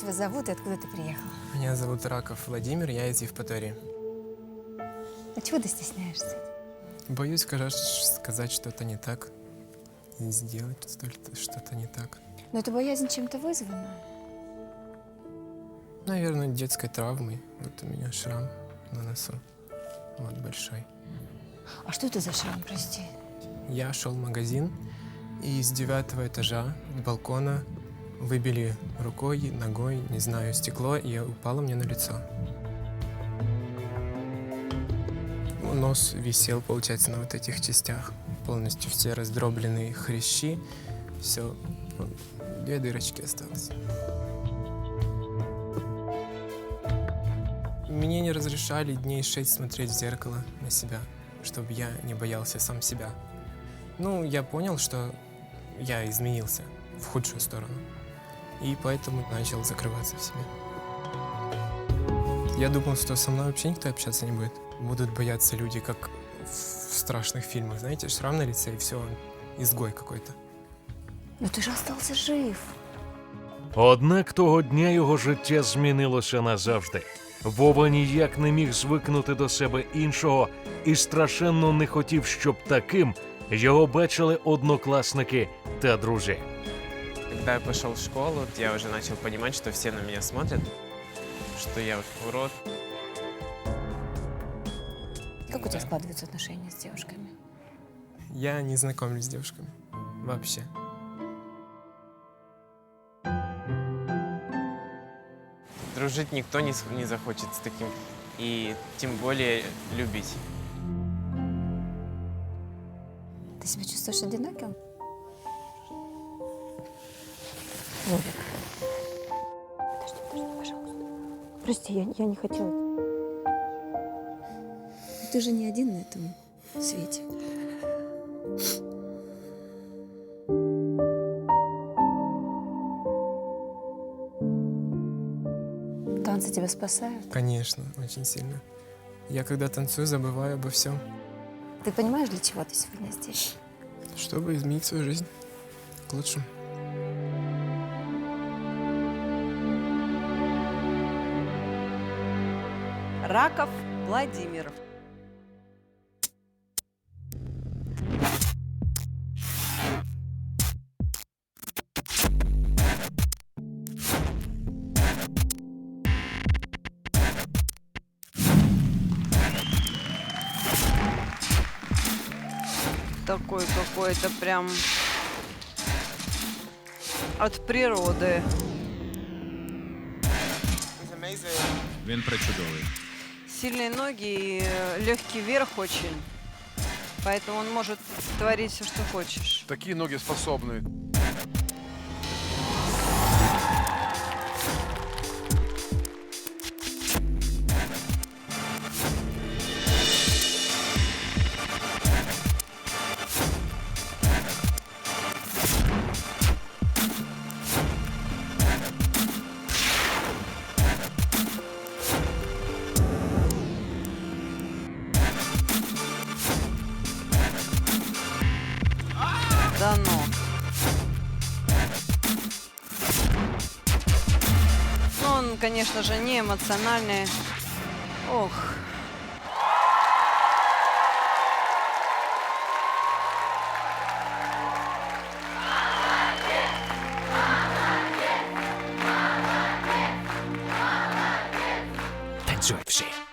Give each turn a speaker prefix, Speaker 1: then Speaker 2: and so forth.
Speaker 1: тебя зовут и откуда ты приехал?
Speaker 2: Меня зовут Раков Владимир, я из Евпатории.
Speaker 1: А чего ты стесняешься?
Speaker 2: Боюсь, сказать что-то не так, и сделать что-то не так.
Speaker 1: Но это боязнь чем-то вызвана.
Speaker 2: Наверное, детской травмой. Вот у меня шрам на носу, вот большой.
Speaker 1: А что это за шрам, прости?
Speaker 2: Я шел в магазин, и с 9-го этажа, с балкона, выбили рукой, ногой, не знаю, стекло, и упало мне на лицо. Нос висел, получается, на вот этих частях. Полностью все раздробленные хрящи. Все, 2 дырочки осталось. Мне не разрешали дней 6 смотреть в зеркало на себя, чтобы я не боялся сам себя. Ну, я понял, что я изменился в худшую сторону. И поэтому начал закрываться в себе. Я думал, что со мной вообще никто общаться не будет. Будут бояться люди, как в страшных фильмах. Знаете, шрам на лице, и все, он изгой какой-то.
Speaker 1: Но ты же остался жив.
Speaker 3: Однак того дня його життя змінилося назавжди. Вова ніяк не міг звикнути до себе іншого і страшенно не хотів, щоб таким його бачили однокласники та друзі.
Speaker 2: Когда я пошел в школу, я уже начал понимать, что все на меня смотрят, что я урод.
Speaker 1: Как у тебя складываются отношения с девушками?
Speaker 2: Я не знакомлюсь с девушками. Вообще. Дружить никто не захочет с таким. И тем более любить.
Speaker 1: Ты себя чувствуешь одиноким? Вовик. Подожди, пожалуйста. Прости, я не хотела. Ты же не один на этом свете. Танцы тебя спасают?
Speaker 2: Конечно, очень сильно. Я когда танцую, забываю обо всем.
Speaker 1: Ты понимаешь, для чего ты сегодня здесь?
Speaker 2: Чтобы изменить свою жизнь к лучшему.
Speaker 4: Раков Владимир. Такой какой-то прям от природы.
Speaker 5: Він причудовий.
Speaker 4: Сильные ноги и легкий верх очень. Поэтому он может творить все, что хочешь.
Speaker 6: Такие ноги способны.
Speaker 4: Да ну. Ну, он, конечно же, не эмоциональный. Ох.
Speaker 3: Танцюй всі.